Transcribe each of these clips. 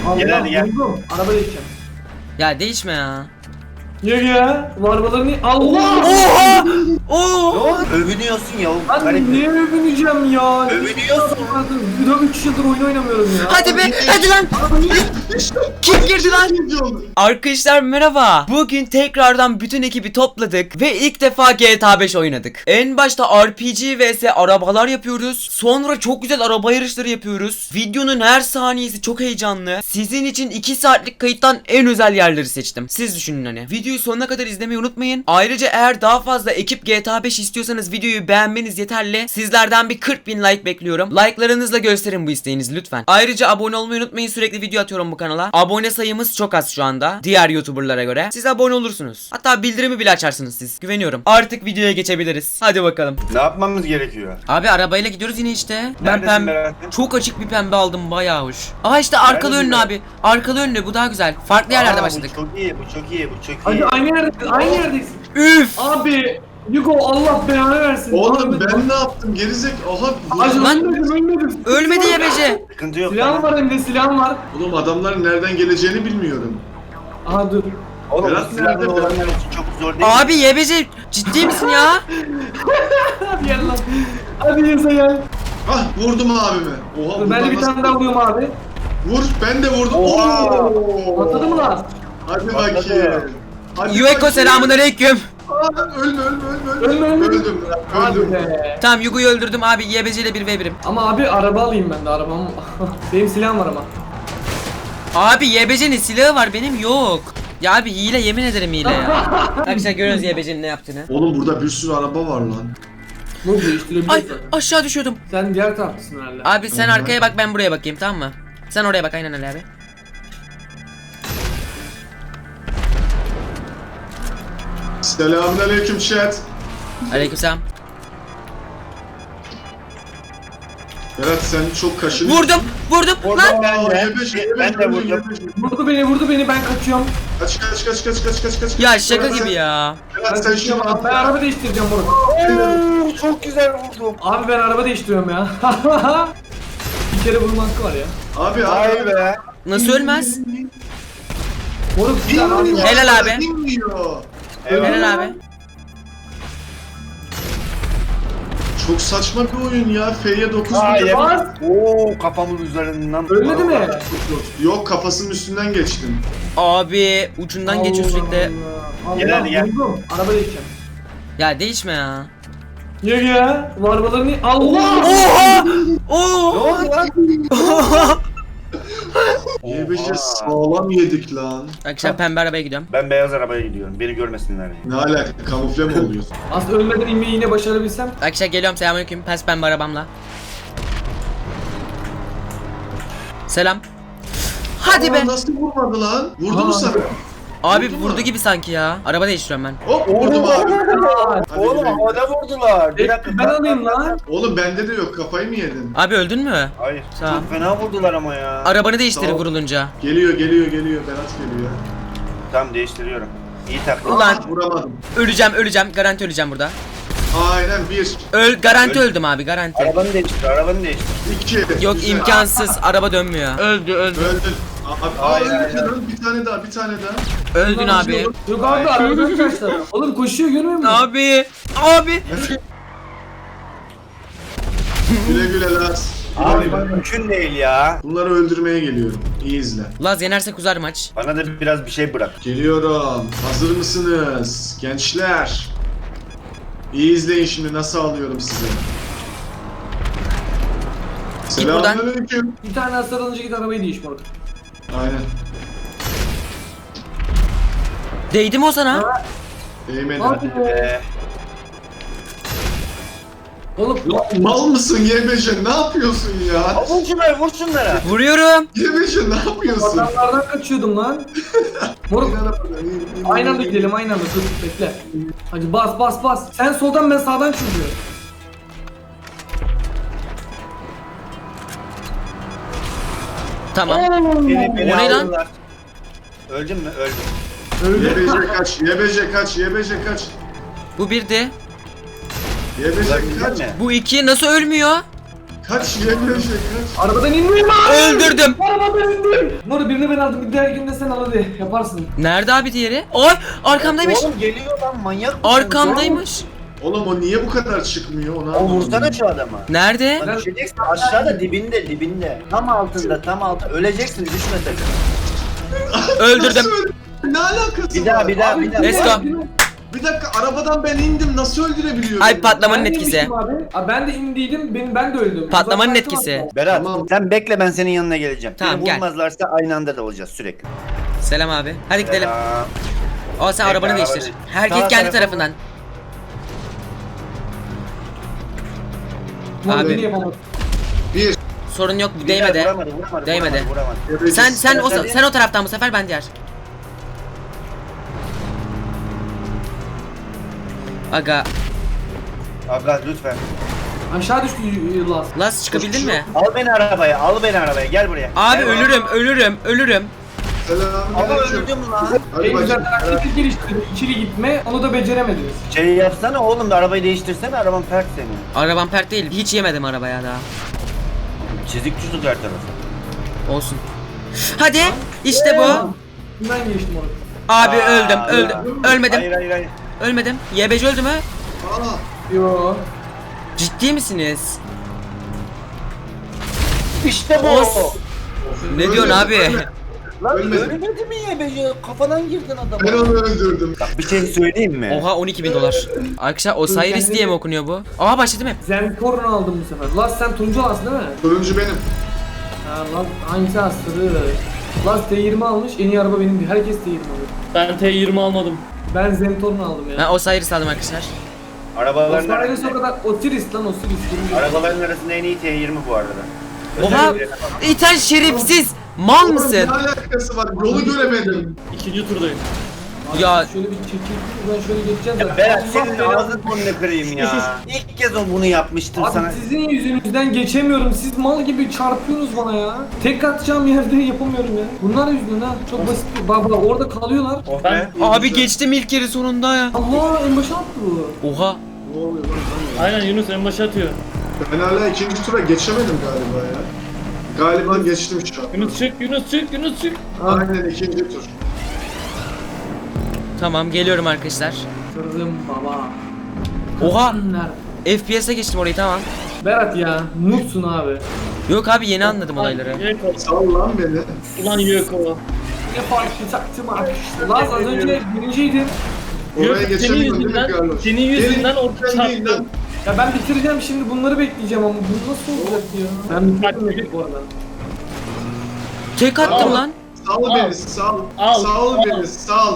Gel gel. Buldum. Araba değişeceğim. Ya değişme ya. Ya. Bu arabaları niye? Allah! Oha! Oo! Övünüyorsun ya. Ben niye övüneceğim ya? Övünüyorsun. Bir de 3 yıldır oyun oynamıyorum ya. Hadi be, hadi lan. Kim girdi lan? Arkadaşlar merhaba. Bugün tekrardan bütün ekibi topladık ve ilk defa GTA 5 oynadık. En başta RPG vs arabalar yapıyoruz. Sonra çok güzel araba yarışları yapıyoruz. Videonun her saniyesi çok heyecanlı. Sizin için 2 saatlik kayıttan en özel yerleri seçtim. Siz düşünün hani. Videoyu sonuna kadar izlemeyi unutmayın. Ayrıca eğer daha fazla ekip GTA 5 istiyorsanız videoyu beğenmeniz yeterli. Sizlerden bir 40.000 like bekliyorum. Like'larınızla gösterin bu isteğinizi lütfen. Ayrıca abone olmayı unutmayın. Sürekli video atıyorum bu kanala. Abone sayımız çok az şu anda. Diğer YouTuber'lara göre. Siz abone olursunuz. Hatta bildirimi bile açarsınız siz. Güveniyorum. Artık videoya geçebiliriz. Hadi bakalım. Ne yapmamız gerekiyor? Abi arabayla gidiyoruz yine işte. Ben Neredesin pembe. Berat'cığım? Çok açık bir pembe aldım, bayağı hoş. Aa işte arkalı Neredesin önlü Berat? abi. Arkalı önlü, bu daha güzel. Farklı yerlerde başladık. Bu çok iyi, bu çok iyi, bu çok iyi. Hadi aynı yerdeyiz. Aynı yerdeyiz. Üf! Abi. Yugo Allah belanı versin. Oğlum Abi, ben ne yaptım gerizek? Aha Hacı Lan- ölmedim. Ölmedi ya Bece. Sıkıntı yok. Silahım tamam. var hem de silahım var. Oğlum adamların nereden geleceğini bilmiyorum. Aha dur. Oğlum Berat bu silahlı nerede? olanlar için çok zor değil. Abi YBC ciddi misin ya? Hadi gel lan. Hadi Yasa gel. Ah vurdum abimi. Oha Dur, ben de buradan bir nasıl- tane daha vuruyorum abi. Vur ben de vurdum. Oha! Oo! Patladı mı lan? Hadi Patladı. bakayım. Hadi Yueko bakayım. selamun aleyküm. Aa, ölme. Ölme. Öldüm. Hadi Öldüm. be. Tamam Yugo'yu öldürdüm abi, YBC ile 1v1'im. Ama abi araba alayım ben de arabam. Benim silahım var ama. Abi YBC'nin silahı var, benim yok. Ya abi hile, yemin ederim hile ya. Arkadaşlar görüyorsunuz YBC'nin ne yaptığını. Oğlum burada bir sürü araba var lan. Bu değiştirebilirsin. Ay aşağı düşüyordum. Sen diğer taraftasın herhalde. Abi sen arkaya bak, ben buraya bakayım, tamam mı? Sen oraya bak, aynen öyle abi. Selamünaleyküm chat. Aleykümselam. Berat sen çok kaşınıyorsun. Vurdum Vurdum lan. ben de. Yebeş, Ben de vurdum. Vurdu beni ben kaçıyorum. Kaç. Ya şaka Berat, gibi ya. Berat sen şunu al. Ben araba değiştireceğim bunu. Oo, çok güzel vurdum. Abi ben araba değiştiriyorum ya. Bir kere vurma hakkı var ya. Abi Vay be. Nasıl ölmez? Moruk sen abi. Bilmiyor. Helal abi. Bilmiyor. Helal abi. Çok saçma bir oyun ya. F'ye 9 Hayır. Bas. Oo, kafamın üzerinden. Ölmedi mi? Yok kafasının üstünden geçtim. Abi ucundan geçiyor sürekli. Allah. Gel hadi gel. Vurdum. Araba değişeceğim. Ya değişme ya. Ya. Bu arabaları niye? Allah. Oha! Ne Oo! oldu lan? Y5'e sağlam yedik lan. Arkadaşlar pembe arabaya gidiyorum. Ben beyaz arabaya gidiyorum. Beni görmesinler diye. Ne alaka? Kamufle mi oluyorsun? Aslında ölmeden inmeyi yine başarabilsem. Arkadaşlar geliyorum, selamünaleyküm. Pes pembe arabamla. Selam. Hadi Aa, be. Nasıl vurmadı lan? Vurdu mu Aa. sana? Abi Vurdu mu? vurdu gibi sanki ya. Araba değiştiriyorum ben. Hop vurdum abi. Hadi Oğlum güle güle. havada vurdular. Bir dakika. Ben alayım lan. Oğlum bende de yok. Kafayı mı yedin? Abi öldün mü? Hayır. Sağ ol. Çok fena vurdular ama ya. Arabanı değiştir Tamam. vurulunca. Geliyor. Berat geliyor. Tamam değiştiriyorum. İyi taklit. Ulan. Vuramadım. Öleceğim. Garanti öleceğim burada. Aynen bir. Garanti Öl- öldüm abi, garanti. Arabanı değiştir. İki. Yok Güzel. imkansız, araba dönmüyor. Öldü. Öldün. Abi, Hayır, öldün hayır. lan. Bir tane daha. Öldün abi. Yok abi arabadan kaçtı. Oğlum koşuyor görmüyor musun? Abi. Güle güle Laz. Abi bu mümkün değil ya. Bunları öldürmeye geliyorum. İyi izle. Laz yenersek uzar maç. Bana da biraz bir şey bırak. Geliyorum. Hazır mısınız? Gençler. İyi izleyin şimdi nasıl alıyorum size. buradan. Selamünaleyküm. Bir tane hasar alınca git arabayı değiş moruk. Aynen. Değdi mi o sana? Değmedi. Abi. Oğlum Lan mal mısın YBC? Ne yapıyorsun ya? Vur şunlara. Vuruyorum. YBC ne yapıyorsun? adamlardan kaçıyordum lan. Moruk aynı anda gidelim aynı anda dur bekle. Hadi bas. Sen soldan ben sağdan çıkıyorum. Tamam. Beni O ne lan? aldılar. Öldün mü? Öldüm. Öyle. YBC kaç. Bu birdi. YBC Ulan kaç. mi? Bu iki nasıl ölmüyor? Kaç YBJ kaç. Arabadan inmiyorum abi. Öldürdüm. Arabadan indim. Nuri birini ben aldım. Bir diğer günde sen al hadi. Yaparsın. Nerede abi diğeri? Ay arkamdaymış. Oğlum geliyor lan manyak mısın? Arkamdaymış. Oğlum o niye bu kadar çıkmıyor onu O anlamadım. vursana şu adamı. Nerede? Lan düşeceksin aşağıda dibinde. Tam altında tam altında. Öleceksin düşme sakın. Öldürdüm. Ne alakası Bir var? daha bir daha Abi, bir daha. Let's go. Bir dakika arabadan ben indim nasıl öldürebiliyorum? Ay patlamanın Ben de etkisi. inmiştim Abi ben de indiydim. Ben de öldüm. Patlamanın Uzaklaştım etkisi. hatta. Berat Tamam. sen bekle ben senin yanına geleceğim. Tamam, Beni gel. vurmazlarsa aynı anda da olacağız sürekli. Selam abi. Hadi gidelim. Selam. O sen Bekle, arabanı araba değiştir. değil. Herkes Sağ kendi tarafa tarafından. Nuri Abi. beni yapamadı. Bir. Sorun yok. Bir Değmedi. daha vuramadı. Değmedi. Vuramadı. Sen o taraftan bu sefer ben diğer. Aga, Aga lütfen. Aşağı düştü Laz. Laz çıkabildin mi? Al beni arabaya gel buraya. Abi Gel buraya. ölürüm. Ama Selamünaleyküm. öldüm lan. Hadi En güzel bacım. taktik geliştirdim. İkili gitme onu da beceremediniz. Şey yapsana oğlum da arabayı değiştirsene araban pert senin. Arabam pert değil. Hiç yemedim arabaya daha. Çizik çizik her tarafı. Olsun. Hadi. İşte bu. Ben geçtim orada. Abi Aa, öldüm. Ölmedim. Hayır. Ölmedim. YBC öldü mü? Aa, Yo. Ciddi misiniz? İşte bu. Os. Ne diyorsun abi? Lan Ölmedim. ölmedi mi YBC? Kafadan girdin adama. ben onu öldürdüm. Bak bir şey söyleyeyim mi? Oha 12.000 dolar. Arkadaşlar Osiris diye mi okunuyor bu? Aa başladı mı? Zentorno aldım bu sefer. Laz sen turuncu alsın değil mi? Turuncu benim. Ha Laz hangisi astırı? Laz T20 almış en iyi araba benimdi. Herkes T20 alıyor. Ben T20 almadım. Ben Zentorno aldım ya. Ben Osiris aldım arkadaşlar. Arabaların Osiris o arasında, kadar Osiris lan Osiris. turuncu. arabaların arasında en iyi T20 bu arada. Oha! Özellikle- İten şerefsiz! Mal Oğlum, mısın? Ne alakası var? Yolu göremedim. İkinci turdayım. Ya Şöyle bir çekil. Ben şöyle geçeceğim zaten. Berat Allah senin belanı- ağzını burnunu kırayım ya. İlk kez bunu yapmıştım sana. Abi sizin yüzünüzden geçemiyorum. Siz mal gibi çarpıyorsunuz bana ya. Tek atacağım yerde yapamıyorum ya. Bunlar yüzünden ha. Çok basit. Baba orada kalıyorlar. Oh Ben- be. abi geçtim ilk yeri sonunda ya. Allah en başa attı bu. Oha. Ne oluyor lan? Aynen Yunus en başa atıyor. Ben hala ikinci tura geçemedim galiba ya. Galiba geçtim şu an. Yunus çık. Aynen ikinci tur. Tamam geliyorum arkadaşlar. Kırdım baba. Oha. Nerede? FPS'e geçtim orayı tamam. Berat ya. Noobsun abi. Yok abi yeni anladım olayları. Yeko. Sal lan beni. Ulan Yeko. Ne fark taktım abi. Laz az önce birinciydin. Oraya Yeko senin geçemiyorum değil mi yüzünden, Carlos? senin yüzünden Gelin, orta sen değil çarptı. lan. Ya ben bitireceğim şimdi bunları bekleyeceğim ama bu nasıl olacak ya? Ben bitirdim bu arada. Tek attım Al. lan. Sal Al. beni, sal. Al, Sal al. beni, sal.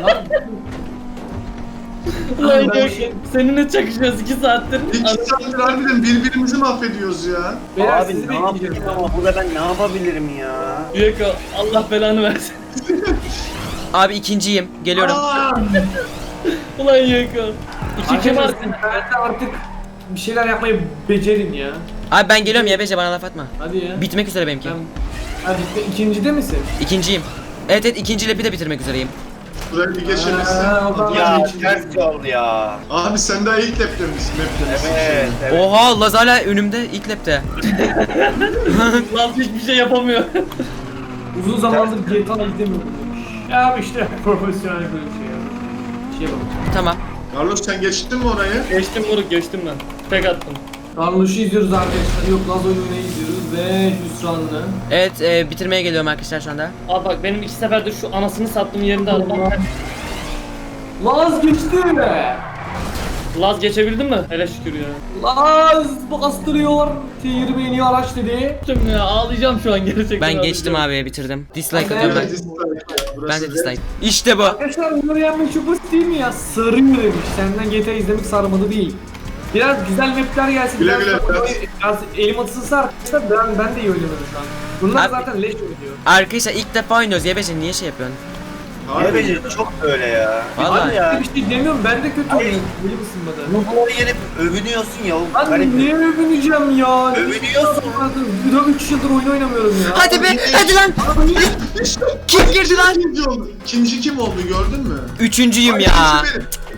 Ulan Ben- Yeko. Seninle çakışıyoruz 2 saattir. İki saattir harbiden birbirimizi mahvediyoruz ya. Beyler Abi sizi ne yapayım bekleyeceğim. ama burada ben ne yapabilirim ya? Yeko Allah belanı versin. Abi ikinciyim. Geliyorum. Ulan Yeko. 2 kim Arkadaşlar artık? ben de artık bir şeyler yapmayı becerin ya. Abi ben geliyorum YBC bana laf atma. Hadi ya. Bitmek üzere benimki. Hadi ikincide misin? İkinciyim. Evet ikinci lepi de bitirmek üzereyim. Burayı bir geçemezsin. Aa, o zaman Ya geçin. ters yol ya. Abi sen daha ilk lapte misin? Lapte misin? Evet. Oha Laz hala önümde ilk lepte. Lan hiçbir şey yapamıyor. Uzun zamandır GTA izlemiyordum. Ya abi işte profesyonel böyle bir şey ya. Şey bak. Tamam. Carlos sen geçtin mi orayı? Geçtim moruk geçtim ben. Tek attım. Carlos'u izliyoruz arkadaşlar. Yok Laz oyununu izliyoruz ve hüsranlı. Evet bitirmeye geliyorum arkadaşlar şu anda. Abi bak benim 2 seferdir şu anasını sattığım yerinde arabam. Laz geçti be. Laz geçebildin mi? Hele şükür ya. Laz bastırıyor. T20 en iyi araç dedi. Geçtim ya ağlayacağım şu an gerçekten. Ben geçtim ağlayacağım. abi bitirdim. Dislike Ben atıyorum de- ben. Dislike. Burası Ben de red. dislike. İşte bu. Arkadaşlar bunları yenmek çok basit değil mi ya? Sarıyor demiş. Senden GTA izlemek sarmadı değil. Biraz güzel mapler gelsin. Güle biraz, güle, biraz elim atılsa arkadaşlar ben de iyi oynuyorum şu an. Bunlar Abi- zaten leş oynuyor. Arkadaşlar ilk defa oynuyoruz YBC niye şey yapıyorsun? YBC çok böyle ya. Vallahi. Hadi ya. Bir şey demiyorum ben de kötü Hayır. oynuyorum. Beni ısınmadı. Ruhları yenip övünüyorsun ya. O Lan garip. niye övüneceğim ya? Övünüyorsun. Bir de 3 yıldır oyun oynamıyorum ya. Hadi be hadi lan. Kim girdi lan? İkinci oldu. İkinci kim oldu gördün mü? Üçüncüyüm Ay, ya. ikinci benim.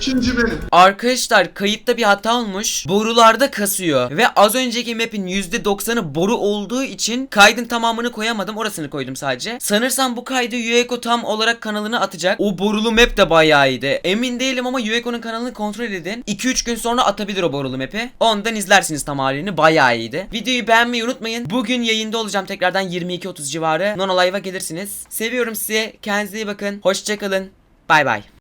Üçüncü benim. Arkadaşlar kayıtta bir hata olmuş. Borularda kasıyor. Ve az önceki map'in %90'ı boru olduğu için kaydın tamamını koyamadım. Orasını koydum sadece. Sanırsam bu kaydı Yueko tam olarak kanalına atacak. O borulu map de bayağı iyiydi. Emin değilim ama Yueko'nun kanalını kontrol edin. 2-3 gün sonra atabilir o borulu map'i. Ondan izlersiniz tam halini. Bayağı iyiydi. Videoyu beğenmeyi unutmayın. Bugün yayında olacağım tekrardan 22:30 civarı. Nono Live'a gelirsiniz. Seviyorum sizi. Kendinize iyi bakın. Hoşçakalın. Bay bay.